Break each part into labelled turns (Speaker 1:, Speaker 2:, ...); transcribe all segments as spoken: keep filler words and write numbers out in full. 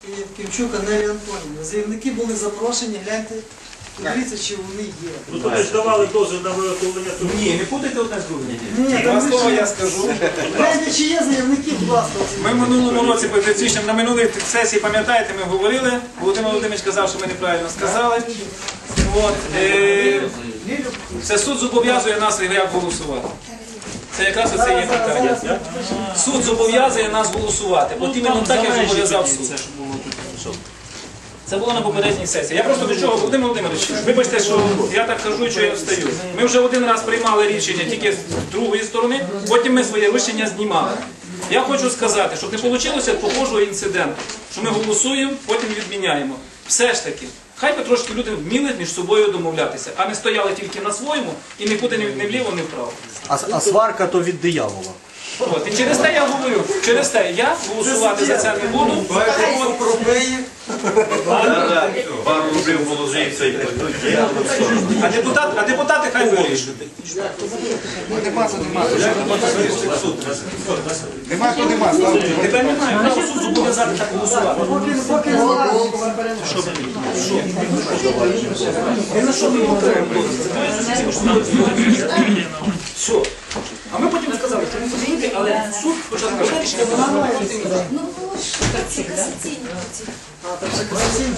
Speaker 1: і Кимчук Анелі Антонівни. Заявники були запрошені, гляньте, подивіться, чи вони є.
Speaker 2: Ну то ви ж давали дозвіл на виготовлення труб.
Speaker 3: Ні, не путайте одне з другим.
Speaker 1: Ні,
Speaker 3: Два
Speaker 1: там
Speaker 3: слова
Speaker 1: лише-
Speaker 3: я скажу.
Speaker 1: Гляньте, чи є заявники, будь ласка.
Speaker 3: Ми в минулому році, практично на минулій сесії, пам'ятаєте, ми говорили, Володимир Володимирович казав, що ми неправильно сказали. От, е, це суд зобов'язує нас як голосувати. Це якраз оце є питання. Суд зобов'язує нас голосувати. От іменно так, як зобов'язав суд. Це було на попередній сесії. Я просто до чого, Володимир Володимирович, вибачте, що я так кажу і що я встаю. Ми вже один раз приймали рішення тільки з другої сторони, потім ми своє рішення знімали. Я хочу сказати, щоб не вийшло похожого інциденту, що ми голосуємо, потім відміняємо. Все ж таки, хай би трошки люди вміли між собою домовлятися, а не стояли тільки на своєму і нікуди не вліво, не вправо.
Speaker 4: А, а сварка то від диявола.
Speaker 3: От, і через те я говорю, через те я голосувати за це не буду.
Speaker 2: Пару рублів положиться і
Speaker 3: А, депутат, а депутати хай вирішують.
Speaker 5: Нема, то нема.
Speaker 3: Тепер немає, право суд зобов'язати так голосувати.
Speaker 1: Поки, поки не знаю.
Speaker 3: І на що ми його отримуємо? Все. А ми потім сказали, що не розумієте, але суд спочатку вирішив, що вона має розуміти.
Speaker 6: Ну, це касаційні.
Speaker 1: А, так це касаційні?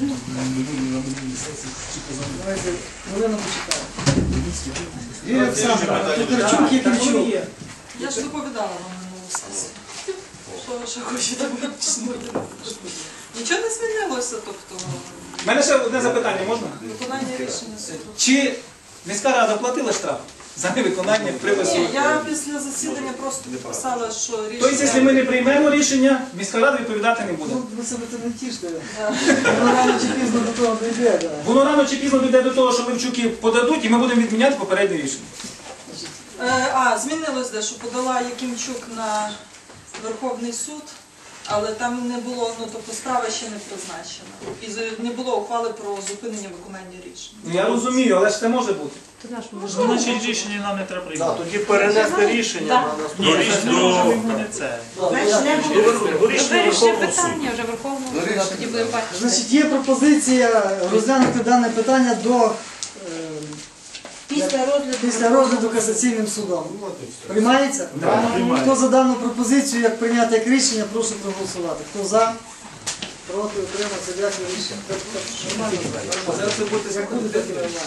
Speaker 1: Давайте, хвилину почекаємо. Юрій Олександрович, Тодорчук і Кимчук.
Speaker 7: Я ж доповідала вам минулу сесію. Що ви ще хочете почнути? Нічого не змінилося, тобто
Speaker 3: У мене ще одне запитання, можна?
Speaker 7: виконання рішення суду.
Speaker 3: Чи міська рада платила штраф за невиконання припису?
Speaker 7: Ні, я після засідання просто підписала, що
Speaker 3: Тобто, якщо ми
Speaker 7: рішення...
Speaker 3: не приймемо рішення, міська рада відповідати не буде.
Speaker 1: Ну, ви себе це не тіште. Воно рано чи пізно до того дійде. да.
Speaker 3: Воно рано чи пізно дійде до того, що Левчуки подадуть, і ми будемо відміняти попереднє рішення.
Speaker 7: Е, А, змінилось дещо. Подала Якимчук на Верховний суд, але там не було, ну тобто справа ще не призначена. І з- не було ухвали про зупинення виконання рішення.
Speaker 3: Ну, я розумію, але ж це може бути.
Speaker 2: Значить, рішення нам не треба
Speaker 4: Да,
Speaker 2: приймати.
Speaker 4: тоді перенести рішення на наступне.
Speaker 2: До рішення не це.
Speaker 6: Вирішення питання вже Верховного суду, тоді будемо бачити.
Speaker 1: Значить, є пропозиція розглянути дане питання до е,
Speaker 6: Після розгляду.
Speaker 1: після розгляду касаційним судом. Приймається? Хто за дану пропозицію, як прийняти як рішення, прошу проголосувати. Хто за? Проти, утримався, дякую, рішення.
Speaker 3: Зараз ви будете заходити.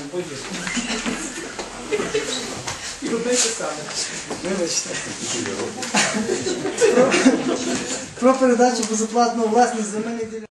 Speaker 3: І робити саме.
Speaker 1: Вибачте. Про- Про передачу безоплатну власність земельних ділянок.